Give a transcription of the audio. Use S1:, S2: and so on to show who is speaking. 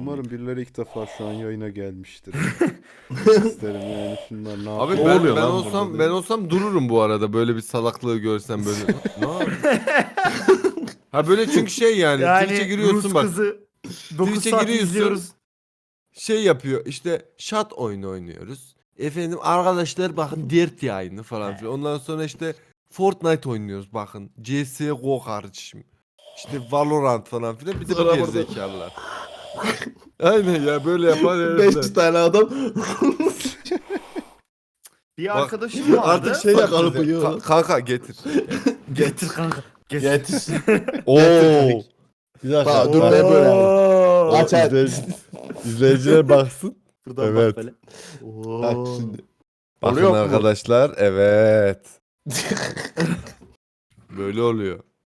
S1: Umarım birileri ilk defa şu an yayına gelmiştir. İsterim yani şunlar ne
S2: Abi
S1: yapıyor?
S2: ben,
S3: oluyor
S2: ben
S3: lan
S2: olsam
S3: burada
S2: ben
S3: dedi.
S2: olsam dururum bu arada böyle bir salaklığı görsem böyle. Ne yapayım? Ha böyle çünkü şey yani, Twitch'e
S4: Yani
S2: giriyorsun
S4: Rus
S2: bak.
S4: kızı 9
S2: Twitch'e
S4: saat
S2: giriyorsun.
S4: izliyoruz.
S2: Şey yapıyor işte, shot oyunu oynuyoruz. Efendim arkadaşlar bakın Dirt yayını falan filan. Ondan sonra işte Fortnite oynuyoruz bakın. CSGO kardeşim. İşte Valorant falan filan. Bir de bu
S3: Sonra burada-
S2: gerizekalılar. Aynen ya, böyle yapan
S3: 5
S2: herifler.
S3: tane adam
S4: Bir
S2: Bak,
S4: arkadaşım vardı.
S2: Artık şey
S3: Sakalı
S2: yapacağız.
S3: bıyığı var.
S2: Kanka getir.
S4: Getir kanka. Getir.
S3: yetiş.
S2: Oo.
S5: Bir dakika.
S3: Bak, dur ben böyle yapayım.
S4: Oo.
S3: Aç aç.
S5: İzleyiciler baksın.
S4: Buradan
S5: Evet.
S4: bak böyle.
S3: Bak
S4: Oo.
S3: şimdi.
S2: Bakın
S3: Oluyor mu?
S2: arkadaşlar, evet. Böyle oluyor.